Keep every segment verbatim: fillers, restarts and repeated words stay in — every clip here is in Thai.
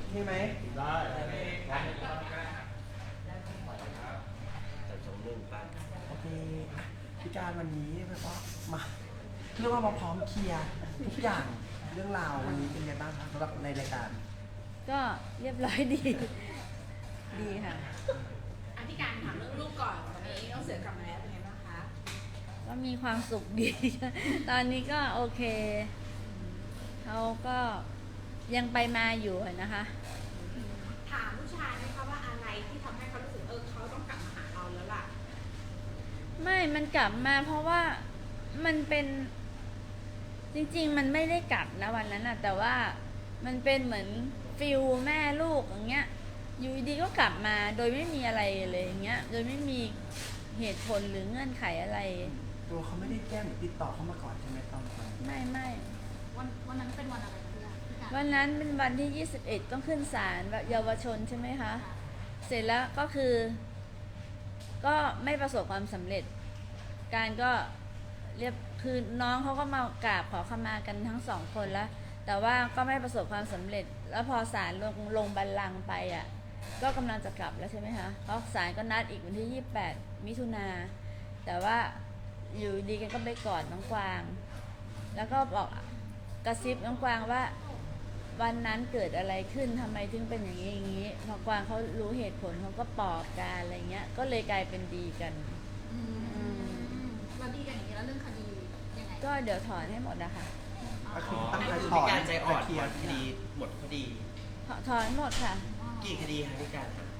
ใช่ไหมได้จัดสมหนึ่งไปโอเคพี่การวันนี้แบบว่ามาเรียกว่ามาพร้อมเคลียร์ทุกอย่างเรื่องราววันนี้เป็นไงบ้างครับสำหรับในรายการก็เรียบร้อยดี ดีค่ะอธิการถามเรื่องลูกก่อนตอนนี้น้องเสือกลับมาแล้วเป็นไงบ้างคะก็มีความสุขดี ตอนนี้ก็โอเคเขาก็ยังไปมาอยู่นะคะถามผู้ชายไหมคะว่าอะไรที่ทำให้เขารู้สึกเออเขาต้องกลับมาหาเราแล้วล่ะไม่มันกลับมาเพราะว่ามันเป็นจริงๆมันไม่ได้กลับนะวันนั้นนะแต่ว่ามันเป็นเหมือนฟิลแม่ลูกอย่างเงี้ยอยู่ดีก็กลับมาโดยไม่มีอะไรเลยอย่างเงี้ยโดยไม่มีเหตุผลหรือเงื่อนไขอะไรตัวเขาไม่ได้แจ้งหรือติดต่อเข้ามาก่อนใช่ไหมตอนนั้นไม่ไม่วันวันนั้นเป็นวันอะไรคะพี่การวันนั้นเป็นวันที่ยี่สิบเอ็ดต้องขึ้นศาลเยาวชนใช่ไหมคะเสร็จแล้วก็คือก็ไม่ประสบความสำเร็จการก็เรียบคือน้องเขาก็มากราบขอขมากันทั้งสองคนแล้วแต่ว่าก็ไม่ประสบความสำเร็จแล้วพอศาลลงลงบัลลังก์ไปอ่ะก็กำลังจะกลับแล้วใช่ไหมคะเพราะศาลก็นัดอีกวันที่ยี่สิบแปดมิถุนาแต่ว่าอยู่ดีกันก็ไปกอดน้องกวางแล้วก็บอกกระซิบน้องกวางว่าวันนั้นเกิดอะไรขึ้นทำไมถึงเป็นอย่างนี้อย่างนี้พอกวางเขารู้เหตุผลเขาก็ปลอบกันอะไรเงี้ยก็เลยกลายเป็นดีกันเราดีกันอย่างนี้แล้วเรื่องคดียังไงก็เดี๋ยวถอนให้หมดนะคะก็คือตั้งใจถพี่อนการใจอ่อนเคลียร์คดีหมดคดีถอนหมดค่ะกี่คดีคะพี่การคะ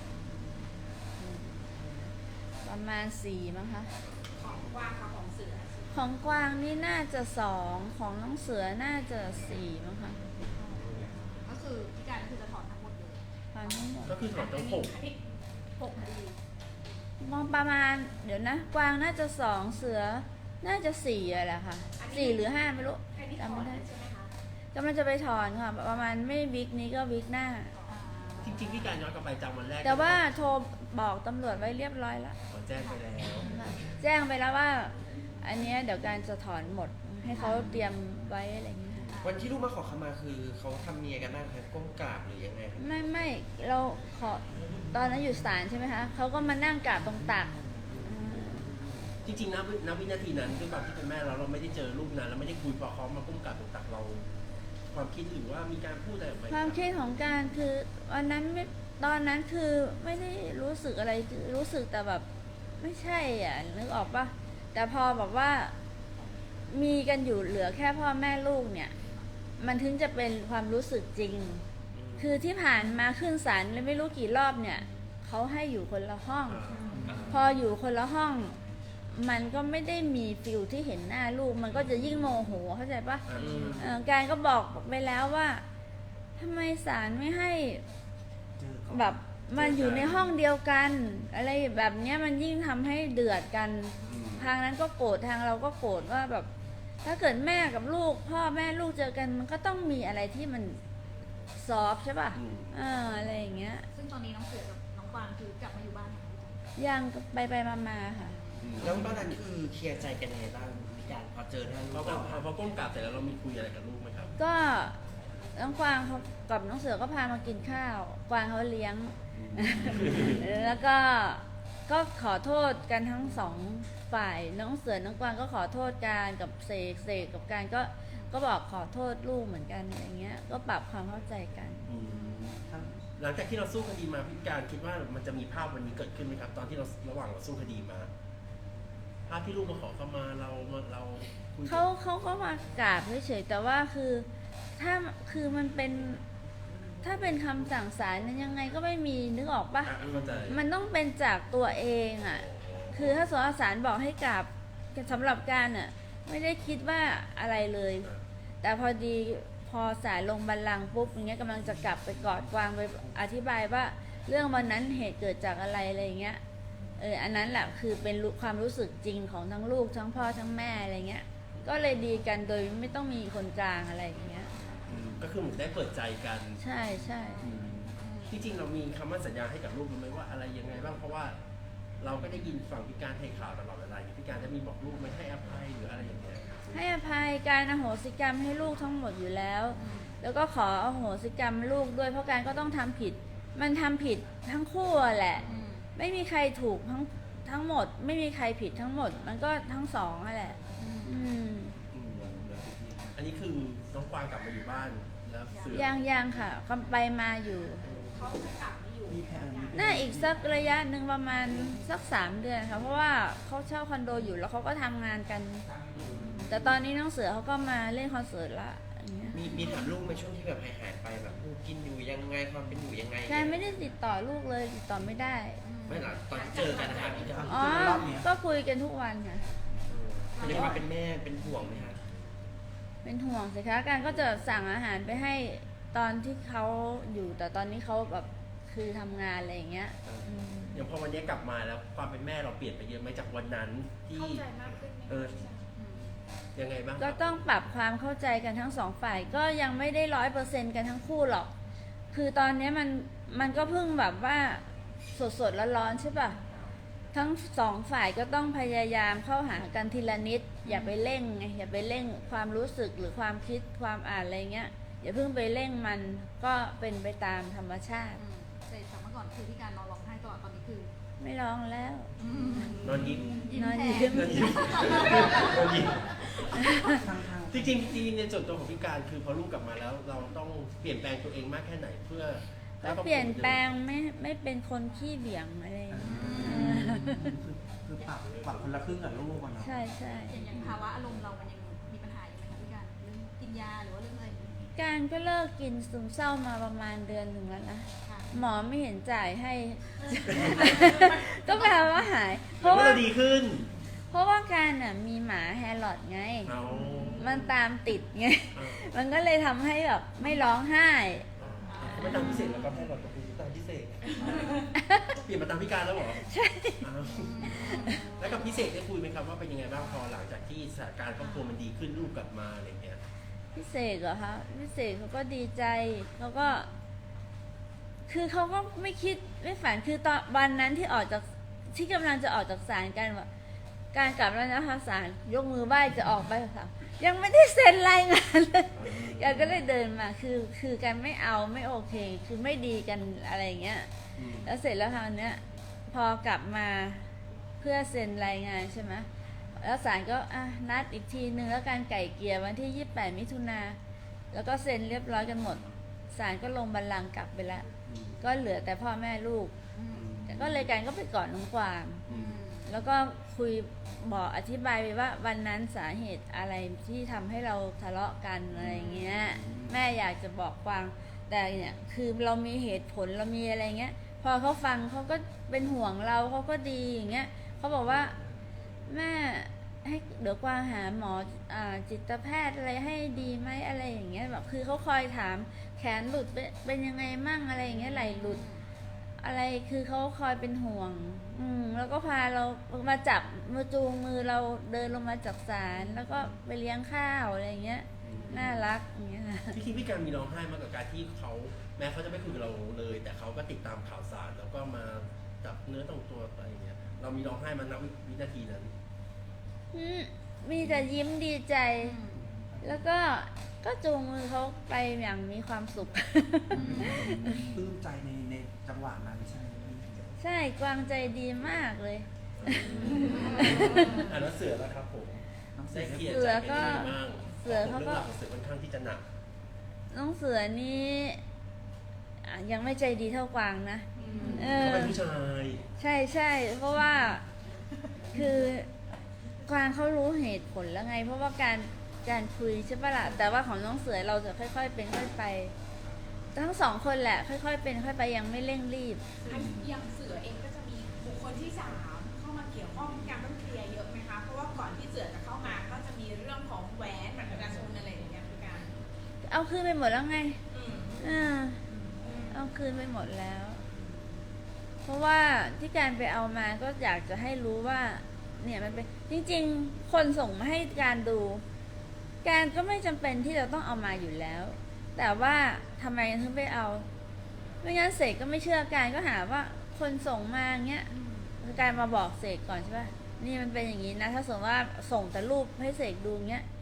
ประมาณสี่มั้งคะของกวางกับของเสือของกวางนี่น่าจะสองของน้องเสือน่าจะสี่มั้งคะก็คือพี่การก็คือจะถอนทั้งหมดเลยถอนทั้งหมดก็คือถอนทั้งหกหกคดีมองประมาณเดี๋ยวนะกวางน่าจะสองเสือน่าจะสี่อะไรค่ะสี่หรือห้าไม่รู้จำไม่ได้กำลังจะไปถอนค่ะประมาณไม่วิกนี้ก็วิกหน้าจริงๆพี่การย้อนกลับไปจำวันแรกแต่ว่าโทรบอกตำรวจไว้เรียบร้อยแล้วแจ้งไปแล้วแจ้งไปแล้วว่าอันนี้เดี๋ยวการจะถอนหมดให้เขาเตรียมไว้อะไรอย่างเงี้ยวันที่ลูกมาขอขมาคือเขาทำเมียกันบ้างครับก้มกราบหรือยังไงไม่ไม่เราขอตอนนั้นอยู่ศาลใช่ไหมคะเขาก็มานั่งกราบตรงตักจริงๆนะณวินาทีนั้นด้วยความที่เป็นแม่เราเราไม่ได้เจอลูกนานเราไม่ได้คุยพอเขามาก้มกราบตรงตักเราความคิดหรือว่ามีการพูดอะไรไหมความคิดของการคือวันนั้นไม่ตอนนั้นคือไม่ได้รู้สึกอะไรรู้สึกแต่แบบไม่ใช่อ่ะนึกออกปะแต่พอแบบว่ามีกันอยู่เหลือแค่พ่อแม่ลูกเนี่ยมันถึงจะเป็นความรู้สึกจริงคือที่ผ่านมาขึ้นศาลไม่รู้กี่รอบเนี่ยเขาให้อยู่คนละห้องพออยู่คนละห้องมันก็ไม่ได้มีฟิลที่เห็นหน้าลูกมันก็จะยิ่งโมโหเข้าใจปะการก็บอกไปแล้วว่าทำไมศาลไม่ให้แบบมันอยู่ในห้องเดียวกันอะไรแบบนี้มันยิ่งทำให้เดือดกันทางนั้นก็โกรธทางเราก็โกรธว่าแบบถ้าเกิดแม่กับลูกพ่อแม่ลูกเจอกันมันก็ต้องมีอะไรที่มันซอฟใช่ป่ะเอออะไรอย่างเงี้ยซึ่งตอนนี้น้องเสือกับน้องกวางคือกลับมาอยู่บ้านยังไปไปมามาค่ะแล้วบ้านนั้นคือเคลียร์ใจกันยังไงบ้างมีการพอเจอหน้าลูกพอพอก้มกราบเสร็จแล้วเรามีคุยอะไรกับลูกไหมครับก็น้องกวางเขากับน้องเสือก็พามากินข้าวกวางเขาเลี้ยงแล้วก็ก็ขอโทษกันทั้งสองฝ่ายน้องเสือน้องกวางก็ขอโทษการกับเสกเสกกับการก็ก็บอกขอโทษลูกเหมือนกันอย่างเงี้ยก็ปรับความเข้าใจกันหลังจากที่เราสู้คดีมาพี่การคิดว่ามันจะมีภาพวันนี้เกิดขึ้นไหมครับตอนที่เราระหว่างเราสู้คดีมาภาพที่ลูกมาขอเข้ามาเราเราเขาเขาก็มากราบเฉยๆแต่ว่าคือถ้าคือมันเป็นถ้าเป็นคำสั่งศาลนั้นยังไงก็ไม่มีนึกออกปะมันต้องเป็นจากตัวเองอ่ะคือถ้าศาลบอกให้กราบสำหรับการอ่ะไม่ได้คิดว่าอะไรเลยแต่พอดีพอศาลลงบัลลังก์ปุ๊บอย่างเงี้ยกำลังจะกลับไปกอดกวางไปอธิบายว่าเรื่องวันนั้นเหตุเกิดจากอะไรอะไรอย่างเงี้ยเอออันนั้นแหละคือเป็นความรู้สึกจริงของทั้งลูกทั้งพ่อทั้งแม่อะไรเงี้ยก็เลยดีกันโดยไม่ต้องมีคนกลางอะไรอย่างเงี้ยก็คือเหมือนได้เปิดใจกันใช่ใช่จริงๆเรามีคำมั่นสัญญาให้กับลูกไหมว่าอะไรยังไงบ้างเพราะว่าเราก็ได้ยินฝั่งพิการให้ข่าวตลอดเวลาพิการจะมีบอกลูกไม่ให้อภัยหรืออะไรอย่างเงี้ยให้อภัยการอโหสิกรรมให้ลูกทั้งหมดอยู่แล้วแล้วก็ขออโหสิกรรมลูกด้วยเพราะการก็ต้องทำผิด มันทำผิดทั้งคู่อะแหละอืมไม่มีใครถูกทั้งทั้งหมด ไม่มีใครผิดทั้งหมด มันก็ทั้งสองอะแหละ อืมอืมอันนี้คือน้องกวางกลับมาอยู่บ้านแล้วเสือยังยังค่ะกำไปมาอยู่เขาจะกลับมาอยู่มีแผนมีน่าอีกสักระยะหนึ่งประมาณสักสามเดือนค่ะ เพราะว่าเขาเช่าคอนโดอยู่แล้วเขาก็ทำงานกัน แต่ตอนนี้น้องเสือเขาก็มาเล่นคอนเสิร์ตละอย่างเงี้ยมีมีถามลูกในช่วงที่แบบหายหายๆไปแบบลูกกินอยู่ยังไงความเป็นอยู่ยังไงการไม่ได้ติดต่อลูกเลยติดต่อไม่ได้ไม่หรอกตอนที่เจอกันนะคะพี่จะอ๋อ ก็คุยกันทุกวันค่ะเป็นความเป็นแม่เป็นห่วงไหมคะเป็นห่วงสิคะการก็จะสั่งอาหารไปให้ตอนที่เขาอยู่ แต่ตอนนี้เขาแบบคือทำงานอะไรอย่างเงี้ยอืมอย่างพอวันนี้กลับมาแล้วความเป็นแม่เราเปลี่ยนไปเยอะไหมจากวันนั้นที่เข้าใจมากขึ้นไหมเออ ยังไงบ้างครับก็ต้องปรับความเข้าใจกันทั้งสองฝ่าย ก็ยังไม่ได้ร้อยเปอร์เซ็นต์กันทั้งคู่หรอก คือตอนนี้มันมันก็เพิ่งแบบว่าสดสดๆร้อนๆใช่ป่ะ ทั้งสองฝ่ายก็ต้องพยายามเข้าหากันทีละนิด อย่าไปเร่งไงอย่าไปเร่งความรู้สึกหรือความคิดความอ่านอะไรเงี้ยอย่าเพิ่งไปเร่งมันก็เป็นไปตามธรรมชาติอืมแต่จากเมื่อก่อนคือที่การนอนร้องไห้ตลอดตอนนี้คือไม่ร้องแล้วนอนยิ้มยิ้มนอนแทยิ้มนอนยิ้มนอนยิ้มทางทางจริงๆจริงๆในส่วนตัวของพี่การคือพอลูกกลับมาแล้ว เราต้องเปลี่ยนแปลงตัวเองมากแค่ไหนเพื่อก็เปลี่ยนแปลงไม่ไม่เป็นคนขี้เบี่ยงอะไรอย่างเงี้ยคือคือปรับปรับคนละครึ่งกับลูกอะเนาะใช่ใช่อย่างอย่างภาวะอารมณ์เรามันยังมีปัญหาอยู่ไหมคะพี่การเรื่องกินยาหรือว่าเรื่องอะไรอย่างเงี้ยการก็เลิกกินซึมเศร้ามาประมาณเดือนหนึ่งแล้วนะค่ะหมอไม่เห็นจ่ายให้ ก็แปลว่าหาย เพเพราะราะว่าว่าเราดีขึ้นเพราะว่าการน่ะมีหมาแฮร์ลอดไงเอามันตามติดไงเอามันก็เลยทำให้แบบไม่ร้องไห้ไม่ตามพิเศษแล้วก็ให้เราตกลงตามพิเศษ เปลี่ยนมาตามพี่การแล้วเหรอใช่อ้าวแล้วกับพิเศษได้คุยไหมครับว่าเป็นยังไงบ้างพอหลังจากที่สถานการณ์ครอบครัวมันดีขึ้นลูกกลับมาอะไรอย่างเงี้ยพิเศษเหรอคะพิเศษเขาก็ดีใจเขาก็ คือเขาก็ไม่คิดไม่ฝันคือตอนวันนั้นที่ออกจากที่กำลังจะออกจากศาลกันว่าการกลับแล้วนะคะศาลยกมือไหว้จะออกไปค่ะยังไม่ได้เซ็นรายงานเลยแกก็เลยเดินมาคือคือกันไม่เอาไม่โอเค คือไม่ดีกันอะไรอย่างเงี้ยอืมแล้วเสร็จแล้วคราวเนี้ยพอกลับมาเพื่อเซ็นรายงานใช่ไหมแล้วศาลก็อ่ะนัดอีกทีนึงแล้วการไก่เกลี่ยวันที่ยี่สิบแปดมิถุนาแล้วก็เซ็นเรียบร้อยกันหมดศาลก็ลงบัลลังก์กลับไปแล้วอืมก็เหลือแต่พ่อแม่ลูกอืมแต่ก็เลยการก็ไปกอดน้องกวางอืมแล้วก็คุยบอกอธิบายไปว่าวันนั้นสาเหตุอะไรที่ทำให้เราทะเลาะกันอะไรเงี้ย แม่อยากจะบอกกวางแต่เนี่ยคือเรามีเหตุผลเรามีอะไรเงี้ย พอเขาฟังเขาก็เป็นห่วงเราเขาก็ดีอย่างเงี้ยเขาบอกว่าแม่ให้เดี๋ยวกวางหาหมออ่าจิตแพทย์อะไรให้ดีไหมอะไรอย่างเงี้ยแบบคือเขาคอยถามแขนหลุดเป็นเป็นยังไงมั่งอะไรอย่างเงี้ยไหลหลุด อะไรคือเขาคอยเป็นห่วง อืมแล้วก็พาเรามาจับมาจูงมือเราเดินลงมาจากศาลแล้วก็ไปเลี้ยงข้าวอะไรอย่างเงี้ย น่ารักอย่างเงี้ยค่ะพี่คิดพี่การมีร้องไห้มากกับการที่เขาแม้เขาจะไม่คุยกับเราเลย แต่เขาก็ติดตามข่าวสารแล้วก็มาจับเนื้อต้องตัวอะไรอย่างเงี้ยเรามีร้องไห้มาณวินาทีนั้นอืมมีแต่ยิ้มดีใจ แล้วก็ก็จูงมือเขาไปอย่างมีความสุขปลื้มใจในในจังหวะนั้นใช่ไหมพี่ใช่กวางใจดีมากเลยอ่าแล้วเสือแล้วครับผมน้องเสืได้อเคลียร์เสืใจอกันก็ยังไงบ้างเสือเขาก็เรื่องราวของเสือค่อนข้างที่จะหนักน้องเสือนี่อ่ะยังไม่ใจดีเท่ากวางนะเอเขาอเป็นผู้ชายใช่ใช่เพราะว่าคือกวางเขารู้เหตุผลแล้วไง เพราะว่าการการคุยใช่ปะล่ะแต่ว่าของน้องเสือเราจะค่อยๆเป็นค่อยไป ทั้งสองคนแหละ ค่อยๆเป็นค่อยไปยังไม่เร่งรีบอันอย่างเสือเองก็จะมีบุคคลที่สามเข้ามาเกี่ยวข้องการต้องเคลียร์เยอะไหมคะ เพราะว่าก่อนที่เสือจะเข้ามาก็จะมีเรื่องของแหวนบัตรประชาชนอะไรอย่างเงี้ยพี่การเอาคืนไปหมดแล้วไงอืมอ่าเอาคืนไปหมดแล้ว เพราะว่าที่การไปเอามาก็อยากจะให้รู้ว่า เนี่ยมันเป็นจริงๆ คนส่งมาให้การดู การก็ไม่จำเป็นที่จะต้องเอามาอยู่แล้ว แต่ว่าทำไมถึงไปเอา ไม่งั้นเสกก็ไม่เชื่อการก็หาว่าคนส่งมาเงี้ยการมาบอกเสกก่อนใช่ปะนี่มันเป็นอย่างนี้นะ ถ้าสมมติว่าส่งแต่รูปให้เสกดูเงี้ย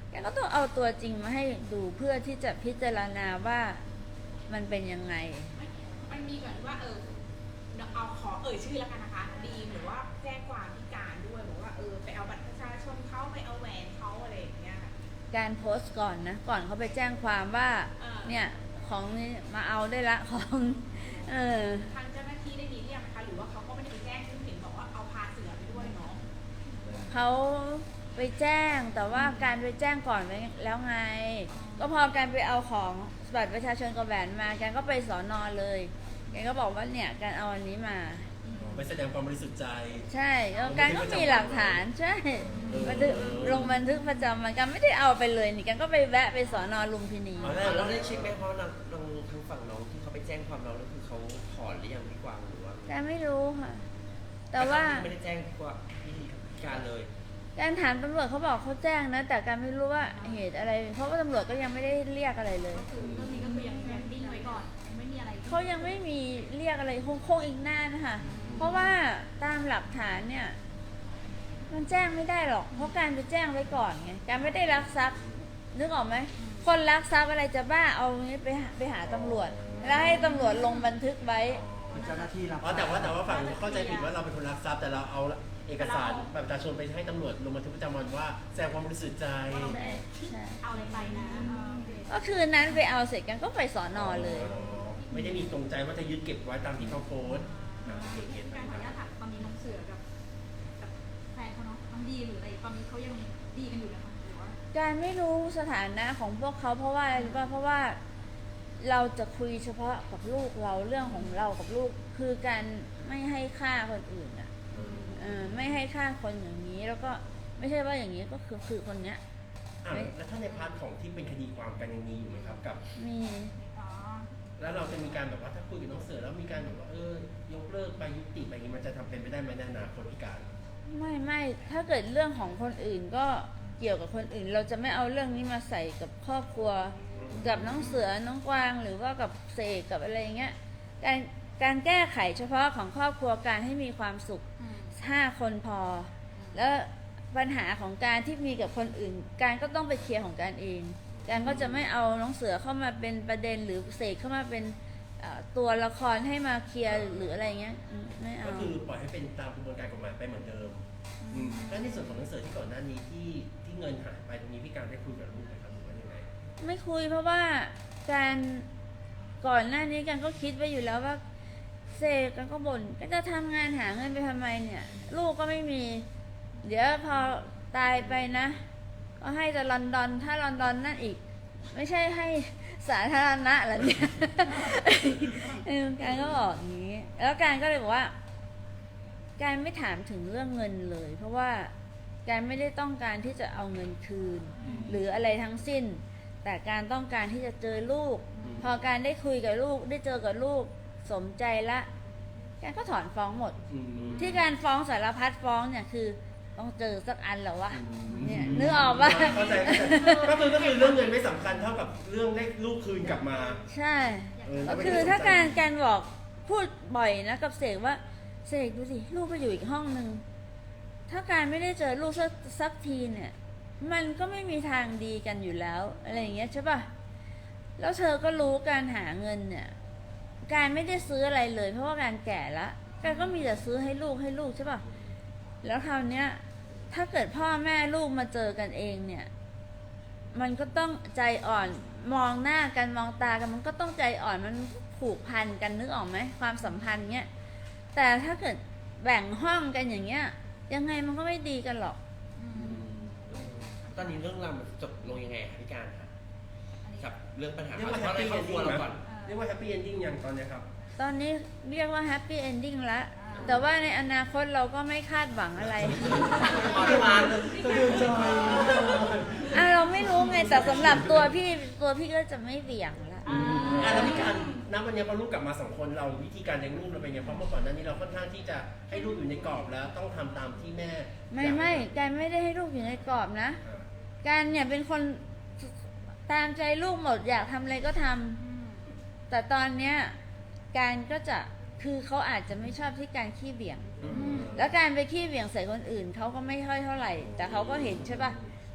แกก็ต้องเอาตัวจริงมาให้ดูเพื่อที่จะพิจารณาว่ามันเป็นยังไงมันมีแบบว่าเออเอาขอเอ่ยชื่อแล้วกันนะคะดีมหรือว่าแจ้งความพิการด้วยบอกว่าเออไปเอาบัตรประชาชนเขาไปเอาแหวนเขาอะไรอย่างเงี้ยค่ะการโพสต์ก่อนนะก่อนเขาไปแจ้งความว่าอ่าเนี่ยของนี่มาเอาได้ละของเออทางเจ้าหน้าที่ได้มีเรียกไหมคะหรือว่าเขาก็ไม่ได้ไปแจ้งซึ่งเห็นบอกว่าเอาพาเสือไปด้วยเนาะเขาไปแจ้งแต่ว่าการไปแจ้งก่อนไว้แล้วไง ก็พอการไปเอาของบัตรประชาชนกับแหวนมาแกก็ไปสอนอเลยแกก็บอกว่าเนี่ยการเอาอันนี้มาไปแสดงความบริสุทธิ์ใจใช่แล้วการก็มีหลักฐานใช่บันทึกลงบันทึกประจำวันกันไม่ได้เอาไปเลยนี่กันก็ไปแวะไปสอนอลุมพินีอ๋อเราเราได้เช็คไหมเพราะน้องน้องทางฝั่งน้องที่เขาไปแจ้งความเราแล้วคือเขาถอนหรือยังพี่กวางหรือว่าการไม่รู้ค่ะ แต่ว่าไม่ได้แจ้งพี่กวางพี่การเลยการถามตำรวจเขาบอกเขาแจ้งนะ แต่การไม่รู้ว่าเหตุอะไร เพราะว่าตำรวจก็ยังไม่ได้เรียกอะไรเลยก็คือเรื่องนี้ก็คือยังยังดิ้งไว้ก่อนยังไม่มีอะไรเขายังไม่มีเรียกอะไรคงคงอีกนานนะคะเพราะว่าตามหลักฐานเนี่ย มันแจ้งไม่ได้หรอก เพราะการไปแจ้งไว้ก่อนไงการไม่ได้ลักทรัพย์นึกออกไหมคนลักทรัพย์อะไรจะบ้าเอางี้ไปหาไปหาตำรวจแล้วให้ตำรวจลงบันทึกไว้เจ้าหน้าที่รับอ๋อแต่ว่าแต่ว่าฝั่งเข้าใจผิดว่าเราเป็นคนรักทรัพย์แต่เราเอาเอกสารบัตรประชาชนไปให้ตำรวจลงบันทึกประจำวันว่าแสดงความบริสุทธิ์ใจใช่ใช่เอาอะไรไปนะเออโอเคก็คืนนั้นไปเอาเสร็จกันก็ไปสอนอเลยไม่ได้มีตรงใจว่าจะยึดเก็บไว้ตามที่เขาโพสต์อ่าโอเคโอเคการขออนุญาตถามตอนนี้น้องเสือกับกับแฟนเขาเนาะน้องดีหรืออะไรตอนนี้เขายังดีกันอยู่นะคะหรือว่าการไม่รู้สถานะของพวกเขาเพราะว่าอะไรรู้ป่ะเพราะว่าเราจะคุยเฉพาะกับลูกเราเรื่องของเรากับลูกคือการไม่ให้ค่าคนอื่นอ่ะเออไม่ให้ค่าคนอย่างนี้แล้วก็ไม่ใช่ว่าอย่างนี้ก็คือคือคนเนี้ยอ่ะแล้วถ้าในพาร์ทของที่เป็นคดีความกันยังมีอยู่ไหมครับกับมีอ๋อแล้วเราจะมีการแบบว่าถ้าคุยกับน้องเสือแล้วมีการแบบว่าเออยกเลิกไปยุติไปอย่างนี้มันจะทำเป็นไปได้ไหมในอนาคตพิการไม่ไม่ถ้าเกิดเรื่องของคนอื่นก็เกี่ยวกับคนอื่น เราจะไม่เอาเรื่องนี้มาใส่กับครอบครัว กับน้องเสือน้องกวางหรือว่ากับเสกกับอะไรอย่างเงี้ยการการแก้ไขเฉพาะของครอบครัวการให้มีความสุขอืมห้าคนพอ แล้วปัญหาของการที่มีกับคนอื่น การก็ต้องไปเคลียร์ของการเอง การก็จะไม่เอาน้องเสือเข้ามาเป็นประเด็นหรือเสกเข้ามาเป็นเอ่อตัวละครให้มาเคลียร์หรืออะไรเงี้ยอืมไม่เอาก็คือปล่อยให้เป็นตามกระบวนการกฎหมายไปเหมือนเดิมอืมแล้วในส่วนของน้องเสือที่ก่อนหน้านี้ที่ที่เงินหายไปตรงนี้พี่การได้คุยกับลูกไหมครับหรือว่ายังไงไม่คุยเพราะว่าการก่อนหน้านี้กันก็คิดไว้อยู่แล้วว่าเสกกันก็บ่นก็จะทำงานหาเงินไปทำไมเนี่ย ลูกก็ไม่มี เดี๋ยวพอตายไปนะ ก็ให้แต่ลอนดอนถ้าลอนดอนนั่นอีก ไม่ใช่ให้สาธารณะเหรอเนี่ย เออการก็บอกอย่างนี้ แล้วการก็เลยบอกว่า การไม่ถามถึงเรื่องเงินเลย เพราะว่าการไม่ได้ต้องการที่จะเอาเงินคืน หรืออะไรทั้งสิ้น แต่การต้องการที่จะเจอลูกอืมพอการได้คุยกับลูกได้เจอกับลูกสมใจละการก็ถอนฟ้องหมดอืมที่การฟ้องสารพัดฟ้องเนี่ยคือต้องเจอสักอันเหรอวะอืมเนี่ยนึกออกปะเข้าใจเข้าใจก็คือก็คือเรื่องเงินไม่สำคัญเท่ากับเรื่องได้ลูกคืนกลับมาใช่เออก็คือถ้าการการบอกพูดบ่อยนะกับเสกว่าเสกดูสิลูกก็อยู่อีกห้องหนึ่งถ้าการไม่ได้เจอลูกสักสักทีเนี่ย มันก็ไม่มีทางดีกันอยู่แล้วอะไรอย่างเงี้ยใช่ปะแล้วเธอก็รู้การหาเงินเนี่ย การไม่ได้ซื้ออะไรเลย เพราะว่าการแก่ละการก็มีแต่ซื้อให้ลูกให้ลูกใช่ปะแล้วคราวเนี้ย ถ้าเกิดพ่อแม่ลูกมาเจอกันเองเนี่ย มันก็ต้องใจอ่อนมองหน้ากันมองตากันมันก็ต้องใจอ่อนมันผูกพันกันนึกออกไหมความสัมพันธ์เนี้ยแต่ถ้าเกิดแบ่งห้องกันอย่างเงี้ย ยังไงมันก็ไม่ดีกันหรอกอืมตอนนี้เรื่องราวมันจบลงยังไงคะพี่การคะอันนี้กับเรื่องปัญหาเรียกว่าเฉพาะในครอบครัวเราก่อนเรียกว่าแฮปปี้เอนดิ้งยังตอนเนี้ยครับตอนนี้เรียกว่าแฮปปี้เอนดิ้งละแต่ว่าในอนาคตเราก็ไม่คาดหวังอะไรขอที่มาสะดือจอยอ่ะเราไม่รู้ไงแต่สำหรับตัวพี่ตัวพี่ก็จะไม่เบี่ยงละอ่าอ่ะแล้วพี่การณวันนี้พอลูกกลับมาสองคนเราวิธีการเลี้ยงลูกเราเป็นไงเพราะเมื่อก่อนหน้านี้เราค่อนข้างที่จะให้ลูกอยู่ในกรอบแล้วต้องทำตามที่แม่ไม่ไม่การไม่ได้ให้ลูกอยู่ในกรอบนะอ่าการเนี่ยเป็นคนตามใจลูกหมดอยากทำอะไรก็ทำอืมแต่ตอนเนี้ยการก็จะคือเขาอาจจะไม่ชอบที่การขี้เบี่ยงอืมแล้วการไปขี้เบี่ยงใส่คนอื่นเขาก็ไม่ค่อยเท่าไหร่ แต่เขาก็เห็นใช่ปะ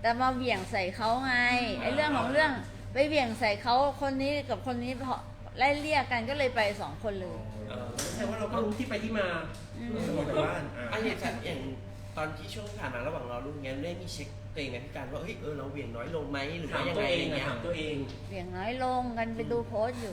แต่มาเหวี่ยงใส่เขาไงไอ้เรื่องของเรื่องไปเหวี่ยงใส่เขาคนนี้กับคนนี้พอไล่เรียกกันก็เลยไปสองคนเลยเออแสดงว่าเราก็รู้ที่ไปที่มาอืมสมมติว่าอ่าอันนี้แบบอย่างตอนที่ช่วงที่ผ่านมาระหว่างรอลูกเงี้ยได้มีเช็คตัวเองไหมพี่การว่าเฮ้ยเออเราเหวี่ยงน้อยลงไหมหรือถาว่าม ยังตัไงวเออะไรงอะเงี้ยถามตัวเองเหวี่ยงน้อยลงกันไปดูโพสต์อยู่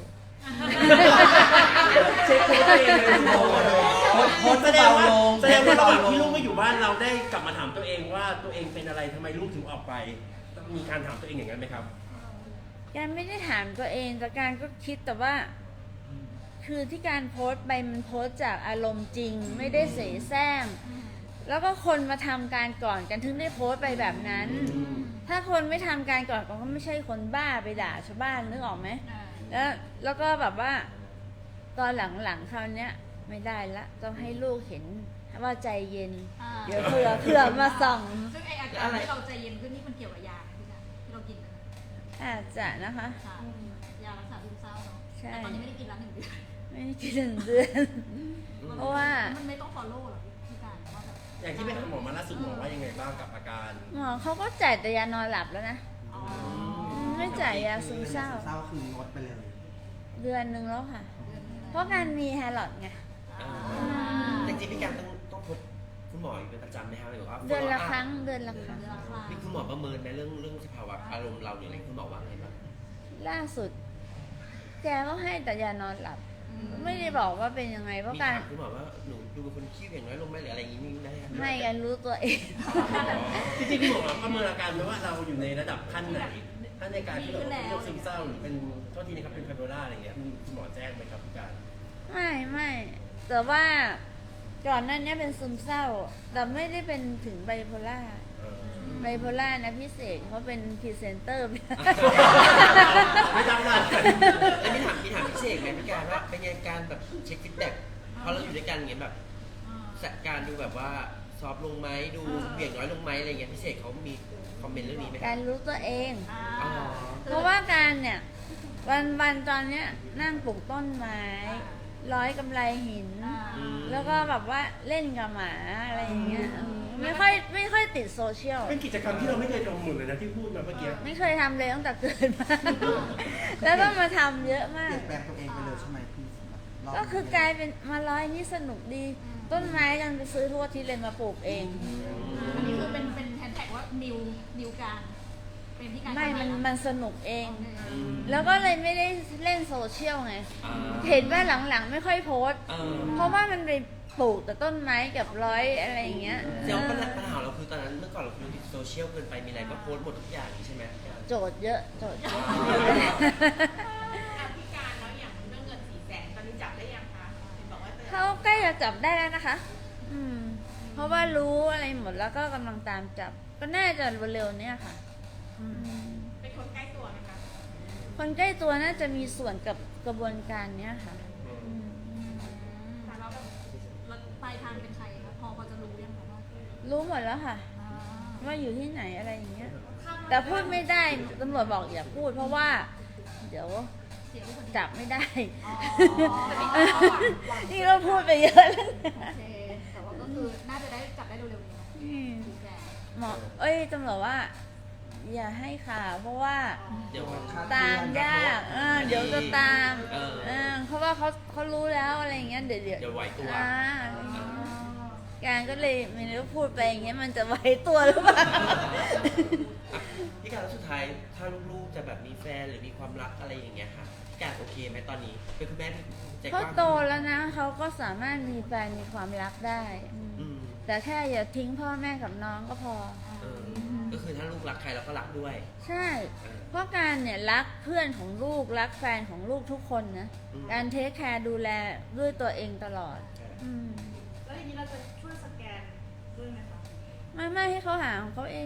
เช็คตัวเองเลยโอ้โหโพสต์โพสต์แสดงว่าเบาลงแสดงว่าระหว่างเบาลงที่ลูกไม่อยู่บ้านเราได้กลับมาถามตัวเองว่าตัวเองเป็นอะไรทำไมลูกถึงออกไปมีการถามตัวเองอย่างนั้นไหมครับการไม่ได้ถามตัวเองแต่การก็คิดแต่ว่า คือที่การโพสต์ไปมันโพสต์จากอารมณ์จริง ไม่ได้เสแสร้งแล้วก็คนมาทำการก่อนกันถึงได้โพสต์ไปแบบนั้น ถ้าคนไม่ทำการก่อนก็ไม่ใช่คนบ้าไปด่าชาวบ้านนึกออกไหม แล้วแล้วก็แบบว่า ตอนหลังๆคราวเนี้ยไม่ได้ละต้องให้ลูกเห็นว่าใจเย็นอ่าเดี๋ยวเผื่อเผื่อมาส่องซึ่งไออาการที่เราใจเย็นขึ้นนี่มันเกี่ยวกับยาไหมพี่การที่เรากินกันอาจจะนะคะค่ะยารักษาซึมเศร้าเนาะใช่แต่ตอนนี้ไม่ได้กินแล้วหนึ่งเดือนไม่ได้กินหนึ่งเดือน เพราะว่ามันไม่ต้อง follow หรอพี่การว่าแบบอย่างที่ไปหาหมอมาล่าสุดหมอว่ายังไงบ้างกับอาการหมอเขาก็จ่ายแต่ยานอนหลับแล้วนะอ๋อไม่จ่ายยาซึมเศร้าเศร้าคืองดไปเลยเดือนหนึ่งแล้วค่ะ เพราะการมีแฮร์ลอดไงอ่าจริงๆพี่การต้องต้องพบคุณหมออยู่เป็นประจำไหมครับหรือว่าเดือนละครั้งเดือนละครั้งเดือนละครั้งนี่คุณหมอประเมินไหมเรื่องเรื่องสภาวะอารมณ์เราเนี่ยอะไรคุณหมอว่าไงบ้างล่าสุด แกก็ให้แต่ยานอนหลับอืมไม่ได้บอกว่าเป็นยังไงเพราะมีการถามคุณหมอว่าหนูดูเป็นคนขี้เหวี่ยงน้อยลงไหมหรืออะไรอย่างนี้มีไหมครับให้กันรู้ตัวเองจริงๆคุณหมอประเมินอาการไหมว่าเราอยู่ในระดับขั้นไหนขั้นในการที่เราเป็นโรคซึมเศร้าหรือเป็นโทษทีนะครับเป็นไบโพล่าอะไรอย่างเงี้ยมีคุณหมอแจ้งไหมครับพี่การไม่ไม่แต่ว่าก่อนหนั้นเนี้ยเป็นซึมเศร้า แต่ไม่ได้เป็นถึงไบโพล่าเออไบโพล่านะพิเศษเขาเป็นพรีเซนเตอร์ไม่ต้องเลยแล้วมีถามมีถามพี่เสกไหมพี่การว่าเป็นไงการแบบเช็คฟีดแบ็กพอเราอยู่ด้วยกันอย่างเงี้ยแบบสการดูแบบว่าซอฟต์ลงไหมดูเหวี่ยงน้อยลงไหมอะไรเงี้ยพี่เสกเขามีคอมเมนต์เรื่องนี้ไหมคการรับรู้ตัวเองอ๋อเพราะว่าการเนี่ย วันวันตอนเนี้ยนั่งปลูกต้นไม้ ร้อยกำไรหินอืมแล้วก็แบบว่าเล่นกับหมาอะไรอย่างเงี้ยอืมไม่ค่อยไม่ค่อยติดโซเชียลเป็นกิจกรรมที่เราไม่เคยทำหมดเลยนะที่พูดมาเมื่อกี้ไม่เคยทำเลยตั้งแต่เกิดมา แล้วก็มาทำเยอะมาเปลี่กยนแปลงตัวเองไปเลยใช่ไหมพี่รบก็คือกลายเป็นมาร้อยนี่สนุกดี ต้นไม้กันไปซื้อทั่วที่เลยมาปลูกเองอันนี้คือเป็นเป็นแฮชแท็กว่านิวนิวการเป็นพี่การไม่มันทำอะมันสนุกเองอืมแล้วก็เลยไม่ได้เล่นโซเชียลไงอ่าเห็นว่าหลังๆไม่ค่อยโพสต์เออเพราะว่ามันไปปลูกแต่ต้นไม้กับร้อยอะไรอย่างเงี้ยเดี๋ยวปัญหาปัญหาเราคือตอนนั้นเมื่อก่อนเราคือติดโซเชียลเกินไปมีอะไรก็โพสต์หมดทุกอย่างใช่ไหมโจทย์เยอะโจทย์เยอะอ่ะพี่การแล้วอย่างเรื่องเงินสี่แสนตอนนี้จับได้ยังคะเห็นบอกว่าจะเขาใกล้จะจับได้แล้วนะคะ อืม เพราะว่ารู้อะไรหมดแล้วก็กำลังตามจับ ก็น่าจะเร็วๆเนี้ยค่ะอืมเป็นคนใกล้ตัวไหมคะคนใกล้ตัวน่าจะมีส่วนกับกระบวนการเนี้ยค่ะอืมแต่เราแบบเราปลายทางเป็นใครคะพอพอจะรู้ยังคะว่ารู้หมดแล้วค่ะอ่าว่าอยู่ที่ไหนอะไรอย่างเงี้ยข้ามมาแต่พูดไม่ได้ตำรวจบอกอย่าพูด เพราะว่า เดี๋ยวเสียลูกคนเดียวจับไม่ได้อ๋อแต่มีความหวังหวังนี่เราพูดไปเยอะแล้วโอเคแต่ว่าก็คือน่าจะได้จับได้เร็วๆนี้นะอืมถูกแก่หมอเอ้ยตำรวจว่า อย่าให้ข่าวเพราะว่าเดี๋ยวตามยากเออเดี๋ยวจะตามเออเออเพราะว่าเขาเขารู้แล้วอะไรอย่างเงี้ยเดี๋ยวเดี๋ยวเดี๋ยวไหวตัวอ่าอะไรอย่างเงี้ยการก็เลยไม่รู้พูดไปอย่างเงี้ยมันจะไหวตัวหรือเปล่าพี่การแล้วสุดท้ายถ้าลูกๆจะแบบมีแฟนหรือมีความรักอะไรอย่างเงี้ยค่ะพี่การโอเคไหมตอนนี้เป็นคุณแม่ที่ใจกเขาว้างโตแล้วนะเขาก็สามารถมีแฟนมีความรักได้อืมอืมแต่แค่อย่าทิ้งพ่อแม่กับน้องก็พอเออก็คือถ้าลูกรักใครเราก็รักด้วยใช่เออเพราะการเนี่ยรักเพื่อนของลูกรักแฟนของลูกทุกคนนะอืมการเทคแคร์ดูแลด้วยตัวเองตลอดใช่อืมแล้วทีนี้เราจะช่วยสแกนด้วยไหมคะไม่ไม่ให้เขาหาของเขาเอง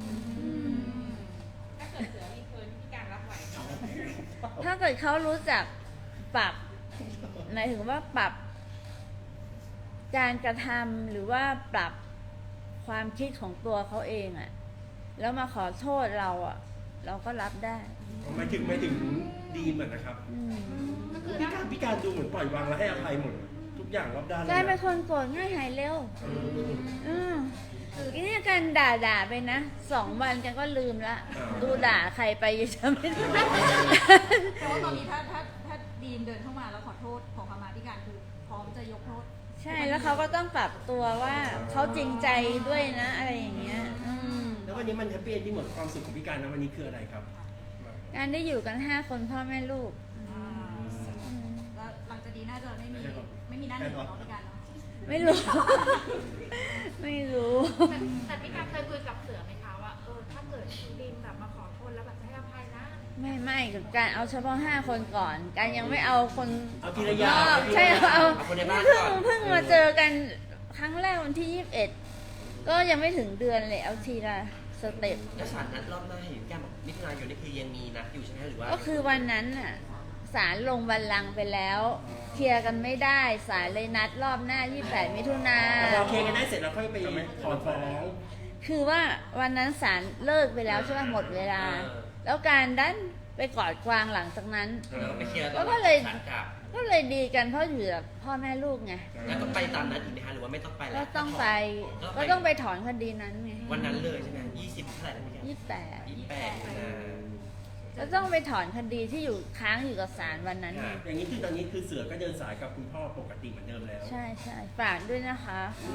ถ้าเกิดเสือรีเทิร์นพี่การรับไหวไหมถ้าเกิดเขารู้จักปรับหมายถึงว่าปรับ การกระทำหรือว่าปรับความคิดของตัวเขาเองอะแล้วมาขอโทษเราอะเราก็รับได้หมายถึงหมายถึงดีเหมือนนะครับอืมพี่การพี่การดูเหมือนปล่อยวางและให้อภัยหมดทุกอย่างรอบด้านเลยกลายเป็นนะคนโกรธง่ายหายเร็วเอออืมคือทีนี้กันด่าด่าๆไปนะสองวันกันก็ลืมละ ดูด่าใครไปยังจำไม่ได้แต่ว่าตอนนี้ถ้าถ้าถ้าดีมเดินเข้ามาแล้วขอโทษขอขมาพี่การคือพร้อมจะยกโทษใช่แล้วเขาก็ต้องปรับตัวว่าเขาจริงใจด้วยนะ อะไรอย่างเงี้ยอืมแล้ววันนี้มันแฮปปี้เอนดิ้งหมดความสุขของพี่การนะวันนี้คืออะไรครับการได้อยู่กันห้าคนพ่อแม่ลูกอ่าแล้วหลังจากนี้น่าจะไม่มีไม่มีหน้าหนึ่งเนาะพี่การเนาะไม่รู้ ไม่รู้แต่แต่พี่การเคยคุยกับเสือไหมคะว่าเออถ้าเกิดดินแบบมาขอโทษแล้วแบบให้อภัยนะไม่ไม่กับการเอาเฉพาะห้าคนก่อน การยังไม่เอาคนเอาทีละอนย่างอกใช่เอาเอาคนในบ้านเพิ่ก่งอนเพิ่งมาเจอกันครั้งแรกวันที่ยี่สิบเอ็ดก็ยังไม่ถึงเดือนเลยเอาทีละสเต็ปแล้วศาลนัดรอบหน้าเห็นแก้มบอกมิถุนายนนี่คือยังมีนัดอยู่ใช่ไหมหรือว่าก็คือวันนั้นน่ะศาลลงบัลลังก์ไปแล้วเคลียร์กันไม่ได้ศาลเลยนัดรอบหน้ายี่สิบแปดมิถุนาแต่พอเคลียร์กันได้เสร็จแล้วค่อยไปถอนฟ้องคือว่าวันนั้นศาลเลิกไปแล้วใช่ไหมหมดเวลา แล้วการดันไปกอดกวางหลังจากนั้นแล้วไปเคลียร์ตแล้อนวก็เลยศาลกลับก็เลยดีกันเพราะอยู่กับพ่อแม่ลูกไงแล้วต้องไปตามนัดอีกไหมคะหรือว่าไม่ต้องไปแล้ก็วต้องไป ก็ต้องไปถอนคดีนั้นไงวันนั้นเลยใช่ไหมยี่สิบเท่าไหร่นะพี่แก้มยี่สิบแปดยี่สิบแปดนะแล้วต้องไปถอนคดีที่อยู่ค้างอยู่กับศาลวันนั้นไงอย่างนี้คือตอนนี้คือเสือก็เดินสายกับคุณพ่อปกติเหมือนเดิมแล้วใช่ใช่ฝากด้วยนะคะโอ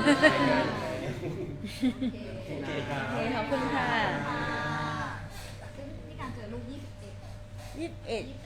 เคโอเคครับโอเคขอบคุณค่ะซึ่งพี่การเจอลูกยี่สิบเอ็ดยี่สิบเอ็ด